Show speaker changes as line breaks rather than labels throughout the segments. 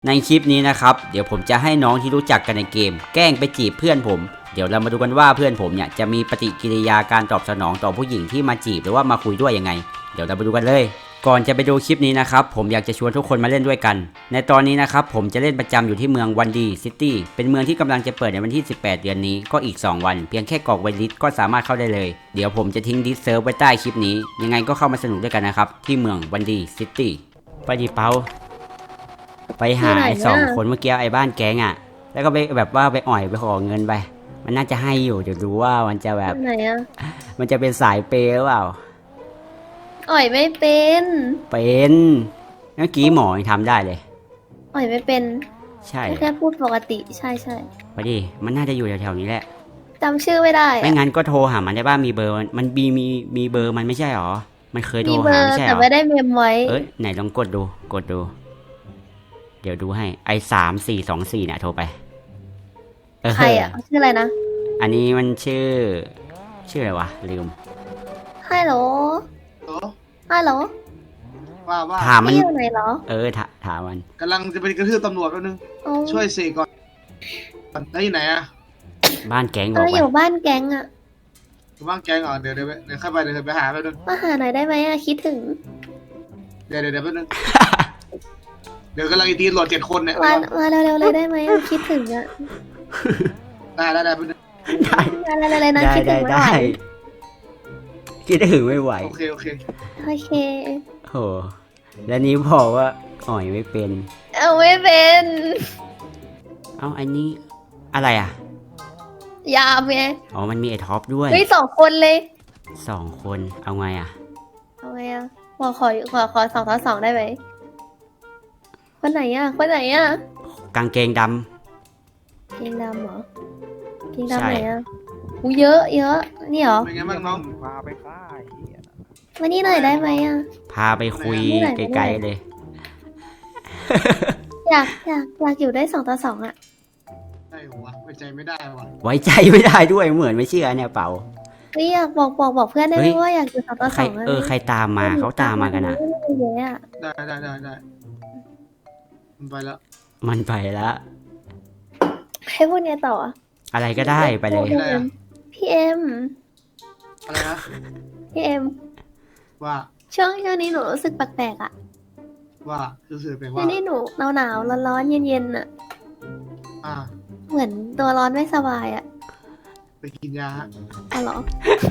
ในคลิปนี้นะครับเดี๋ยวผมจะให้น้องที่รู้จักกันในเกมแกล้งไปจีบเพื่อนผมเดี๋ยวเรามาดูกันว่าเพื่อนผมเนี่ยจะมีปฏิกิริยาการตอบสนองต่อผู้หญิงที่มาจีบหรือว่ามาคุยด้วยยังไงเดี๋ยวเราไปดูกันเลยก่อนจะไปดูคลิปนี้นะครับผมอยากจะชวนทุกคนมาเล่นด้วยกันในตอนนี้นะครับผมจะเล่นประจำอยู่ที่เมืองวันดีซิตี้เป็นเมืองที่กำลังจะเปิดในวันที่18เดือนนี้ก็อีก2วันเพียงแค่กรอกไวลิสก็สามารถเข้าได้เลยเดี๋ยวผมจะทิ้งดิสเซิร์ฟไว้ใต้คลิปนี้ยังไงก็เข้ามาสนุกด้วยกันนะครับที่เมืองวันดีซิตี้ไปดิเปาไปหาไอ้2 คนเมื่อกี้ไอ้บ้านแก๊งอ่ะแล้วก็ไปแบบว่าไปอ่อยไปขอเงินไปมันน่าจะให้อยู่เดี๋ยวดูว่ามันจะแบบ
ไหนอะ
มันจะเป็นสายเปย์หรือเปล่า
อ่อยไม่เป็น
เป็นเมื่อกี้หมอยังทำได้เลย
อ่อยไม่เป็น
ใช่
แค่พูดปกติใช่
ไปดิมันน่าจะอยู่แถวๆนี้แหละ
จำชื่อไม่ได้
ไม่งั้นก็โทรหามันได้บ้างมีเบอร์มันมีเบอร์มันไม่ใช่หรอมันเคยโทรหาไม่ใช่หรอ
แต่ไม่ได้เมมไว้
ไหนลองกดดูเดี๋ยวดูให้ไอ้3424เนี่ยโทรไป
ใครอ่ะชื่ออะไรนะ
อันนี้มันชื่ออะไรวะลืม
ฮัลโหลฮัลโหล
ว่า
ถามมัน
อยู่ไหนเหรอ
ถามมัน
กำลังจะไปกระทืบตำรวจแป๊บนึงช่วยเสกก่อนแล้วอยู่ไหนอะ
บ้านแก๊งบอก
อยู่บ้านแก๊งอะ
อยู่บ้านแกงเหรอเดี๋ยวเข้าไปเดี๋ยวไปหาแป๊บนึง
มาหาหน่อยได้ไหมอะคิดถึง
เดี๋ยวแป๊บนึงเดี๋ยวกำลังตีตำรวจ7 คนเนี่ย
มาเร็วๆเลยได้ไหมคิดถึงอะ
ได้แป๊บนึง
ได้เลยนะคิดถึงไม่ไหว
คิดถึงไม่ไหว
โอเค
โอเค
โหแล้วนี้บอกว่าอ่อยไม่เป็น
ไม่เป็น
อันนี้อะไรอ่ะ
ยามไง
มันมีไอ้ท็อปด้วย
2 คนเลย
2 คนเอาไงอ่ะ
ขอ2 ต่อ 2ได้ไหมคนไหนอ่ะ
กางเกงด
ำเหรอเกงดำไหนอ่ะเยอะนี่เหรอ
เป็นไงบ้างน้อง
พาไปค่าย
มานี่หน่อยได้ไหมอ่ะ
พาไปคุยไกลๆเลย
อยากอยู่ได้2 ต่อ 2อ่ะ
ได้วะไว้ใจไม่ได้วะ
ไว้ใจไม่ได้ด้วยเหมือนไม่เชื่อเนี่ยเปล่า
อยากบอกเพื่อนได้ไหมว่าอยากอยู่2 ต่อ 2
ใครตามมาเขาตามมากันอ่ะ
ได้
มันไปแล้ว
ให้พูดไงต่อ
อะไรก็ได้ไปเลย
พี่เอ็ม
อะไรนะ
พี่เอ็ม
ว่า
ช่วงนี้หนูรู้สึกแปลกๆอ่ะ
ว่ารู้สึกแปลกว่า
ช่วงนี้หนูหนาวร้อนเย็นอ่ะเหมือนตัวร้อนไม่สบายอ่ะ
ไปกินยา
เหรอ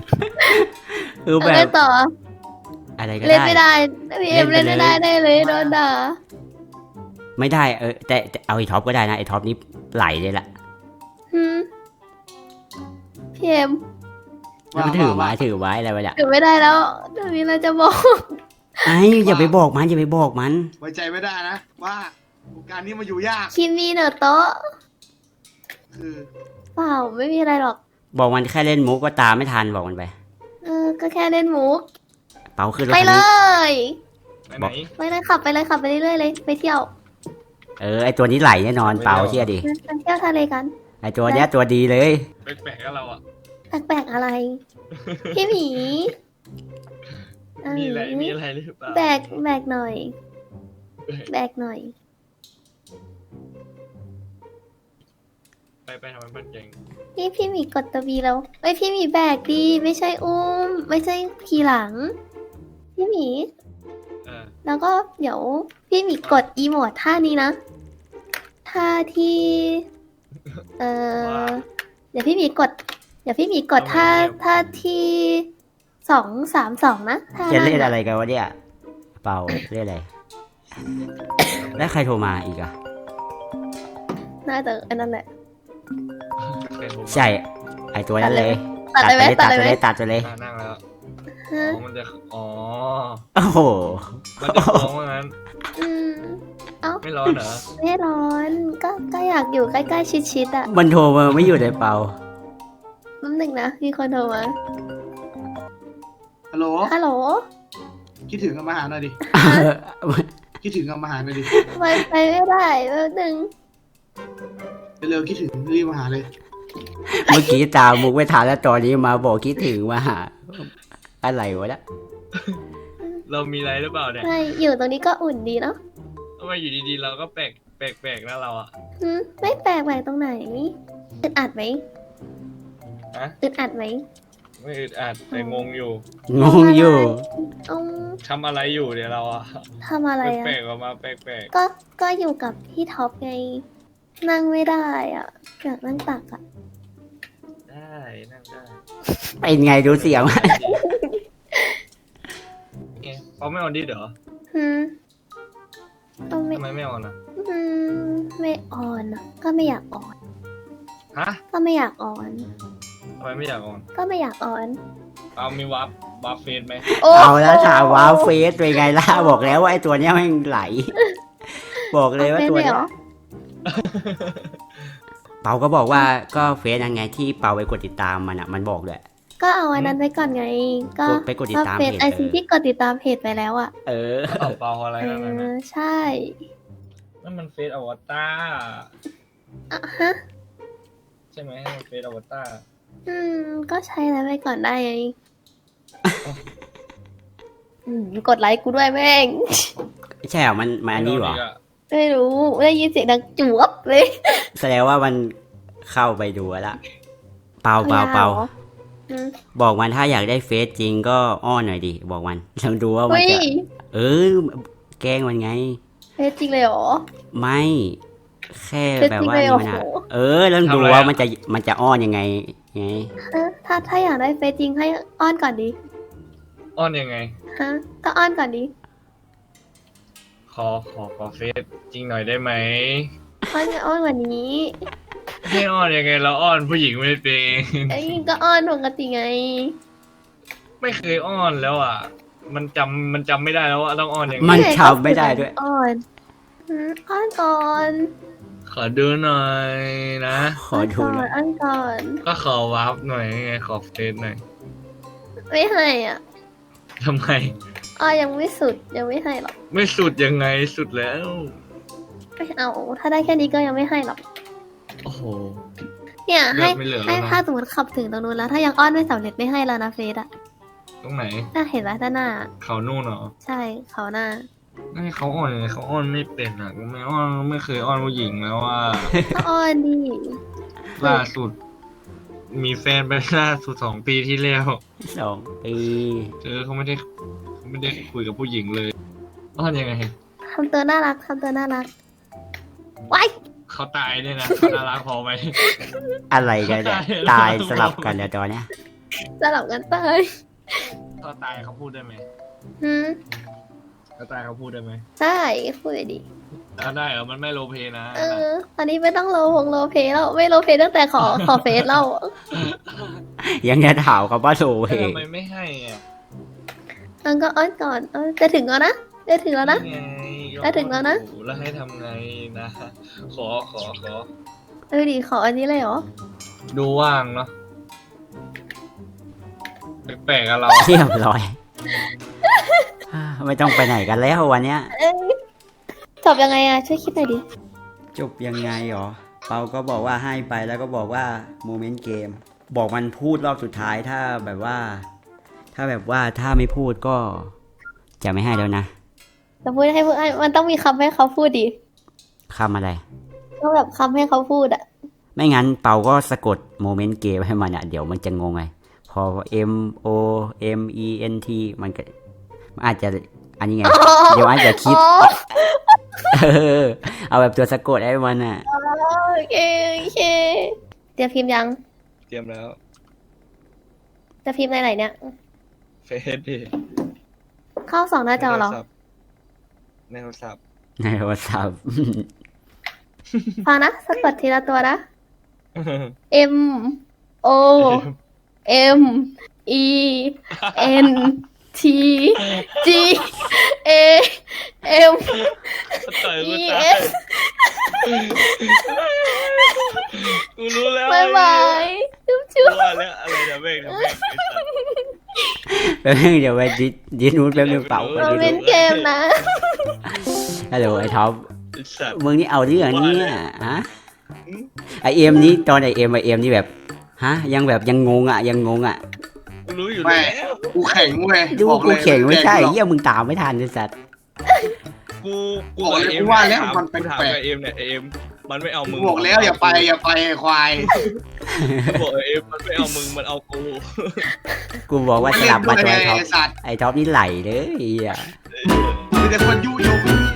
แบบ
ต่อ
อะไรก็ได้
เล่นไม่ได้พี่เอ็มเล่นไม่ได้เลยโดนด่า
ไม่ได้แต่เอาไอ้ท็อปก็ได้นะไอ้ท็อปนี่ไหลเลยล่ะ
พี่เอ็ม
มันถือไว้อะไรไปล่ะ
ถือไม่ได้แล้วเดี๋ยวนี้เราจะบอก
อย่าไปบอกมัน
ไว้ใจไม่ได้นะว่าการนี้มาอยู่ยาก
คิมมี่เนอะโต๊ะ
คือ
เปล่าไม่มีอะไรหรอก
บอกมันแค่เล่นมุกก็ตามไม่ทันบอกมันไป
ก็แค่เล่นมุก
เปาขึ้นรถ
ไปเลย
ไป
เลยขับไปเรื่อยๆเลยไปเที่ยว
ไอตัวนี้ไหลแน่นอนเปาเชื่อดิ
ไปเที่ยวทะเลกัน
ไอตัวเนี้ยตัวดีเลย
แปลกๆกับเราอ่ะ
แปลกอะไรพี่หมี
มีอะไรหรือเปล่า
แบกหน่อย
ไปทำมันเก่ง
พี่หมีกดตัวบีแล้วพี่หมีแบกดีไม่ใช่อุ้มไม่ใช่ขี่หลังพี่หมีแล้วก็เดี๋ยวพี่หมีกดอีโมดท่านี้นะท่าที่เดี๋ยวพี่หมีกดท่าที่2 3 2นะ
จะเล่นอะไรกันวะเนี่ยเปาเล่นอะไรแล้วใครโทรมาอีกอะ
น่าจะอันนั้นแหละ
ใช่ไอตัวนั้นเลย
ตัดเลย
นั่งแล้ว
มันจะ
โอ้โห
มันจะฟ้องว่างั้นไม่ร้อนเหรอ
ไม่ร้อนก็อยากอยู่ใกล้ๆชิดๆอ่ะ
มันโทรมาไม่อยู่ในเปา
แป๊บนึงนะมีคนโทรมา
ฮัลโหลคิดถึงกับมาหาหน่อยดิคิดถึงกับมาหาหน่อยดิ
ไปไม่ได้แป๊บนึง
เร็วคิดถึงรีบมาหาเลย
เมื่อกี้ตามมุกไม่ทันแล้วตอนนี้มาบอกคิดถึงมาหาอะไรวะเนี่ย
เรามีอะไรหรือเปล่าเนี่ย
ไม่อยู่ตรงนี้ก็อุ่นดีเนาะ
ทำไมอยู่ดีๆเราก็แปลกแปลกๆนะเราอ่ะ
ไม่แปลกแหวกตรงไหนอึดอัดไหม
ฮะ
อึดอัดไหม
ไม่อึดอัดแต่งงอยู่
งงอยู่
อืม
ทำอะไรอยู่เนี่ยเราอ่ะ
ทำอะไรอ่ะ
แปลกๆออกมาแปลก
ก็อยู่กับพี่ท็อปไง นั่งไม่ได้อ่ะอยากนั่งตักอ่ะ
ๆได้นั่งได้
เป็นไงดูเสียง
เอ๊ะเขาไม่ออนดิเหรอ
หืมก็ไม่
ทำไมไม่ออนอ่ะ
ไม่ออนอ่ะ ก็ไม่อยากออน
ฮะ
ก็ไม่อยากออน
ทำไมไม่อยากออน
ก็ไม่อยากออน
เอามีวับเฟซไหม
เอาแล้วถามว้าวเฟสเป็นไงล่ะบอกแล้วว่าไอ้ตัวเนี้ยแม่งไหล บอกเลยว่าตัวเนี้ยเปาก็บอกว่าก็เฟซยังไงที่เปาไปกดติดตามมันอ่ะมันบอกเลย
ก็เอาอันนั้นไว้ก่อนไง ก็
ไปกดติดตาม
เฟซ
เพจ
ไอซีที่กดติดตามเพจไปแล้วอ่ะ
เออ
เปล่าอะไรนั่นนะ
ใช่
นั่นมันเฟซอวตาร
อ่ะฮะ
ใช่ไหมมันเฟซอวตาร
ก็ใช้แล้วไปก่อนได้ไงกดไลค์กูด้วยแม่ง
ใช่เหรอมันอันนี้เหรอ
ไม่รู้ได้ยินเสียงดังจวบเลย
แสดงว่ามันเข้าไปดูแล้วละเปา
อืม
บอกมันถ้าอยากได้เฟซจริงก็อ้อนหน่อยดิบอกมันลองดูว่ามัน
เฮ้ย
จะเออแกล้งมันไง
เฟซจริงเลยเหรอ
ไม่แค่แบบว่า
เฟซจริงเลยเหรอ
นี่มันอะลองดูว่ามันจะอ้อนยังไงไง
ถ้าอยากได้เฟซจริงให้อ้อนก่อนดิ
อ้อนยังไง
ฮะก็อ้อนก่อนดิ
ขอเฟซจริงหน่อยได้ไหม
อ้อนกว่านี้
ให้อ้อนยังไงเราอ้อนผู้หญิงไม่เป็น
ไอ้ยก็อ้อนปกติไง
ไม่เคยอ้อนแล้วอ่ะ มันจำไม่ได้แล้วว่าต้องอ้อนยังไง
มันจำไม่ได้ด้วย
อ้อนอ้อนก่อน
ขอดูหน่อยนะ
ขอดูหน่อย
อ้อนก่อน
ก็ขอวับหน่อยไงขอเฟซหน่อย
ไม่ให้อ่ะ
ทำไม
ยังไม่สุดยังไม่ให้หรอก
ไม่สุดยังไงสุดแล้ว
ไม่เอา ถ้าได้แค่นี้ก็ยังไม่ให้หรอก
โอ้โห
เนี่ย
เลื
ให้
อดไม่เหลือแล้วนะ
ให้ถ้าสมมติขับถึงตรงนู้นแล้ว ถ้ายังอ้อนไม่สำเร็จไม่ให้แล้วนะเฟซอะ
ตรงไหน
น่าเห็นแล้วด้านหน้า
เขานู่นเหรอ
ใช่เขาหน้า
ให้เขาอ้อนยังไงเขาอ้อนไม่เป็นอ่ะไม่อ้อนไม่เคยอ้อนผู้หญิงแล้วว่า
ก็อ้อนดิ
ล่าสุด มีแฟนไปล่าสุด2 ปีที่แล้ว
2 ปี
เขาไม่ได้คุยกับผู้หญิงเลยอ้อนยังไง
ทำตัวน่ารักทำตัวน่ารักว้าย
เขาตายเนี่ยนะเขาน่ารักพอไหม
อะไรกันเนี่ยตายสลับกันแล้วตอนเนี้ย
สลับกันตาย
เขาตายเขาพูดได้ไหม
หืม
เขาตายเขาพูดได้ไหม
ได้พูดเลยดิ
ได้เหรอมันไม่โลเพนะ
ตอนนี้ไม่ต้องโลเพแล้วไม่โลเพตั้งแต่ขอเฟซแล้ว
ยังจะถามเขาว่าโซเฮ
ทำไมไม่ให้อ่ะ
มันก็อ้อนก่อนจะถึงแล้วนะจะถึงแล้วนะ
ไง
ได้ถึงแล้วนะ
แล้วให้ทำไงนะ ขอ
ดิขออันนี้เลยเหรอ
ดูว่างเนาะแปลกๆอะเรา
เรียบร้อย ไม่ต้องไปไหนกันแล้ววันเนี้ย
จบยังไงอะช่วยคิดหน่อยดิ
จบยังไงหรอ เปาก็บอกว่าให้ไปแล้วก็บอกว่าโมเมนต์เกม บอกมันพูดรอบสุดท้ายถ้าแบบว่า ถ้าไม่พูดก็จะไม่ให้แล้วนะ
จะพูดให้มันต้องมีคำให้เขาพูดดิ
คำอะไร
ต้องแบบคำให้เขาพูดอะ
ไม่งั้นเปาก็สะกดโมเมนต์เกมให้มันอ่ะเดี๋ยวมันจะงงไงพอ M O M E N T มันก็มันอาจจะอันนี้ไง เดี๋ยวอาจจะคิด เอาแบบตัวสะกดให้มันอ่ะ
โอเคเตรียมพิมพ์ยัง
เตรียมแล้ว
จะพิมพ์ในไหนเนี่ย
เฟซดิ
เข้า2 หน้าจอเหรอ
ในโทรศัพท์
ในโทรศัพท์
ฟังนะสะกดทีละตัวนะ M O M E N T G A M
ต่อยกู
E
ตาย
S
กูรู้แล้ว
บายบายจุ๊บ
รู้แล้วอะไรเดี๋ยวเบรก
แป๊บนึงเดี๋ยวไปดิสนูดแป๊บนึงเปล่าไป
มัน
ดิส
เป็นเกมนะ
ฮัลโหลไอ้ท็อป
สัตว์
มึงนี่เอาเรื่องนี้ฮะไอเอ็มนี่ตอนไอเอ็มนี่แบบฮะยังงงอ่ะ
กูรู้อยู่
ไม่
แล้ว
กูแข็งเว้ย
ดู
บอก
กู
เลย
เข่งไม่ใช่
แข็งหรอก
เยี่ยมึงตามไม่ทันเลยสัตว์
กู
บอกเลย
เอ
กู
ม
ว่าแล้วมัน
กูถาม
แปลก
กับเอมเนี่ยเอมมันไม่เอามึง
บอกแล้วอย่าไปควาย
บอกเอมมันไม่เอามึงมันเอากู
กูบอกว่าจะหลับมาตัวไอ้ท็อป
ไอ้สัตว์
ไอ้ท็อปนี่ไหลเลยไอ้เหี้ย
มีแต่คนยุยง